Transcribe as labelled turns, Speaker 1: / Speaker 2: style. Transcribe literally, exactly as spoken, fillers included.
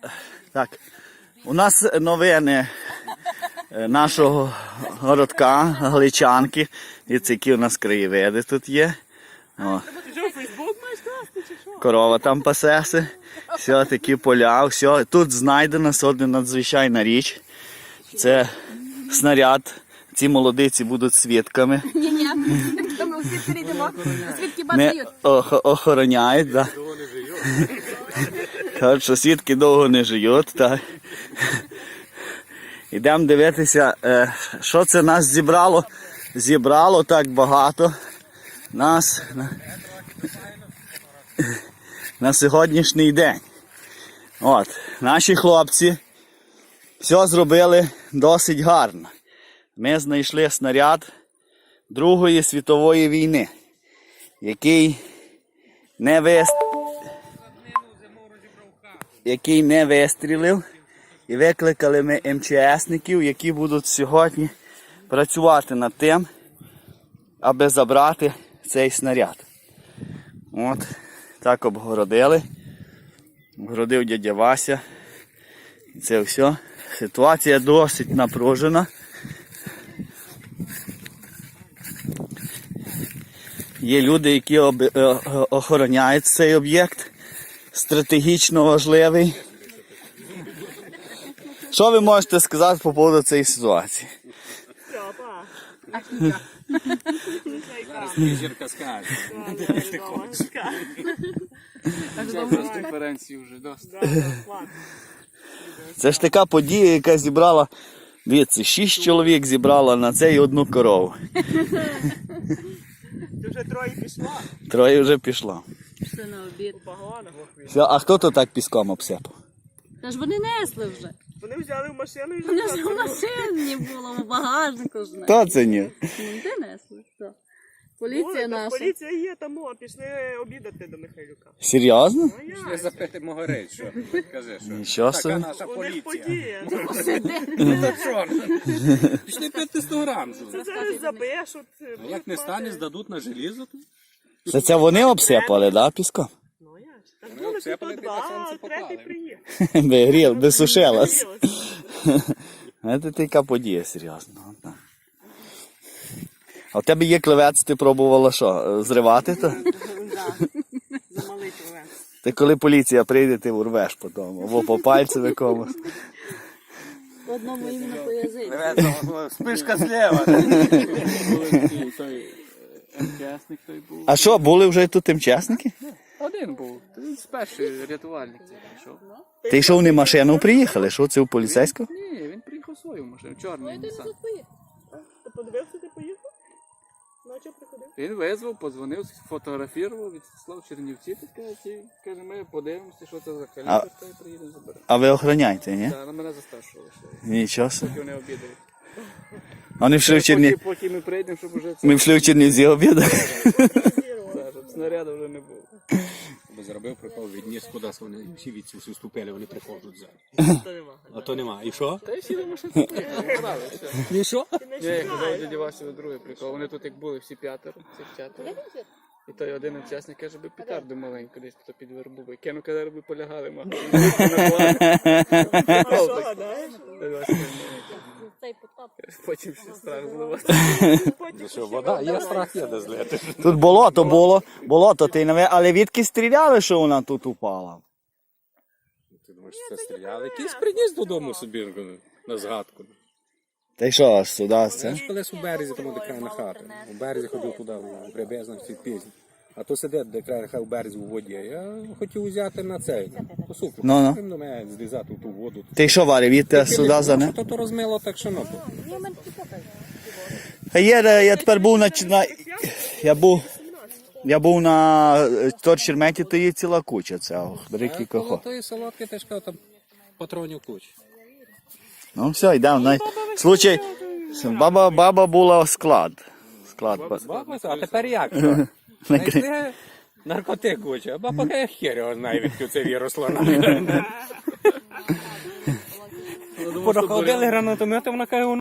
Speaker 1: Так, у нас новини нашого городка, Галичанки. Дивіться, які у нас краєвиди тут є. О. Корова там пасеться. Все, такі поля. Все. Тут знайдена одна надзвичайна річ. Це снаряд. Ці молодиці будуть свідками.
Speaker 2: Ні-ні, ми всі перейдемо. Свідки
Speaker 1: Не
Speaker 2: бачають.
Speaker 1: охороняють, так. Кажуть, що свідки довго не живуть. Так. Йдемо дивитися, що це нас зібрало. Зібрало так багато нас на, на сьогоднішній день. От, наші хлопці все зробили досить гарно. Ми знайшли снаряд Другої світової війни, який не, вис... який не вистрілив. І викликали ми ем че есників, які будуть сьогодні працювати над тим, аби забрати цей снаряд. От, так обгородили. Обгородив дядя Вася. І це все. Ситуація досить напружена. Є люди, які об... охороняють цей об'єкт. Стратегічно важливий. Що ви можете сказати по поводу цієї ситуації?
Speaker 3: Зірка скаже. Ти хочеш. Конференції вже досить.
Speaker 1: Це ж така подія, яка зібрала, дивіться, шість чоловік зібрала на це і одну корову.
Speaker 4: Ти вже троє пішло?
Speaker 1: Троє вже пішло.
Speaker 2: Пішли на обід.
Speaker 1: Все, а хто то так піском обсипав?
Speaker 2: Та ж вони несли вже.
Speaker 4: Вони взяли в машину і вже
Speaker 2: Вони ж в машині було, в багажнику ж не.
Speaker 1: Хто це ні?
Speaker 2: Ну, де несли? Хто? Поліція
Speaker 4: О,
Speaker 2: наша.
Speaker 4: Поліція є там, о, пішли обідати до Михайлюка.
Speaker 1: Серйозно?
Speaker 4: А
Speaker 3: Пішли
Speaker 4: як?
Speaker 3: запити Могорич, що? Кажи, що?
Speaker 1: Нічого
Speaker 3: Така
Speaker 1: собі.
Speaker 3: наша
Speaker 4: У них
Speaker 3: поліція.
Speaker 4: подія.
Speaker 3: Ну то що? Пішли п'яти сто грам.
Speaker 4: Це зараз забешуть.
Speaker 3: А як не стане, здадуть на желізо, то
Speaker 1: Це, це вони обсипали, да, піском?
Speaker 4: Ну як? Так були
Speaker 3: обсипали,
Speaker 4: тут
Speaker 3: ти на
Speaker 4: два,
Speaker 3: сонце
Speaker 4: а третій
Speaker 3: поклали.
Speaker 4: приїхав.
Speaker 1: Би гріл, би сушилась. Це така подія, серйозно. От так. А в тебе є клевець, ти пробувала що, зривати то?
Speaker 4: Замалий човен.
Speaker 1: Ти коли поліція прийде, ти урвеш потім, або по пальцю якомусь.
Speaker 2: Одному іменно по язиці.
Speaker 3: спишка зліва. Той ем че есник той був.
Speaker 1: А що, були вже тут тимчасники?
Speaker 3: Один був. Він перший рятувальник цей прийшов.
Speaker 1: Ти що, вони машину приїхали? Що це у поліцейського?
Speaker 3: Ні, він приїхав свою машину, чорний Нісан.
Speaker 4: Ти подивився, ти поїхав? Ну, а чого приходив?
Speaker 3: Він визвав, подзвонив, сфотографував, відслав Чернівці, таке, і каже, ми подивимося, що це за калібр, та й приїдемо заберемо.
Speaker 1: А ви охороняєте, ні?
Speaker 3: Так, на мене за старшого лише.
Speaker 1: Нічого собі.
Speaker 3: Поки вони обідають.
Speaker 1: Вони пішли в Черні...
Speaker 3: Поки, поки ми прийдемо, щоб уже це...
Speaker 1: Ми пішли в Чернівці обідати.
Speaker 3: Так, щоб снаряду вже не було.
Speaker 5: Бо зробив прикол, відніс кудись, вони всі від всі вступили, вони приходять зараз. А то нема. І що?
Speaker 3: Та й всі до машини поїхали, брали, все.
Speaker 5: І що?
Speaker 3: Ні, я казав дяді Васі другий прикол. Вони тут як були всі п'ятеро, всіх п'ятеро. І той один учасник каже, би петарду маленьку десь то під вербу. І кину, коли би полягали, мав.
Speaker 4: Що, знаєш?
Speaker 2: Цей потап.
Speaker 3: Потім ще страх зливати.
Speaker 5: Що, вода, є страх, є де злити.
Speaker 1: Тут болото було, болото, ти не ви- але відки стріляли, що вона тут упала?
Speaker 5: Ти думаєш, це стріляли? Якийсь приніс додому собі на згадку.
Speaker 1: Та й що, аж сюди це?
Speaker 5: Знаєш, колись у березі, тому де край на хату. У березі ходив туди, у Гребезна, всі пізні. А то сидить, де край хай у березі у воді. Я хотів взяти на цей, по суку.
Speaker 1: Ну-ну.
Speaker 5: Він до мене злізати в ту воду.
Speaker 1: Ти що, Варя, відти сюди за не?
Speaker 5: То то розмило так, що ну.
Speaker 1: А є, е, я тепер був на, на я був, я був на е, Торчерметі, то є ціла куча цього, ріки
Speaker 5: А коло
Speaker 1: кохо.
Speaker 5: тої солодки теж кажу, там патронів куч.
Speaker 1: Ну все, йдемо. На... Случай, баба, баба була склад. Склад.
Speaker 5: Баба, а тепер як? Що? Знайшли наркотик куча, а баба каже, хер його знає, відки це віросло. Понаходили гранатомети, вона каже,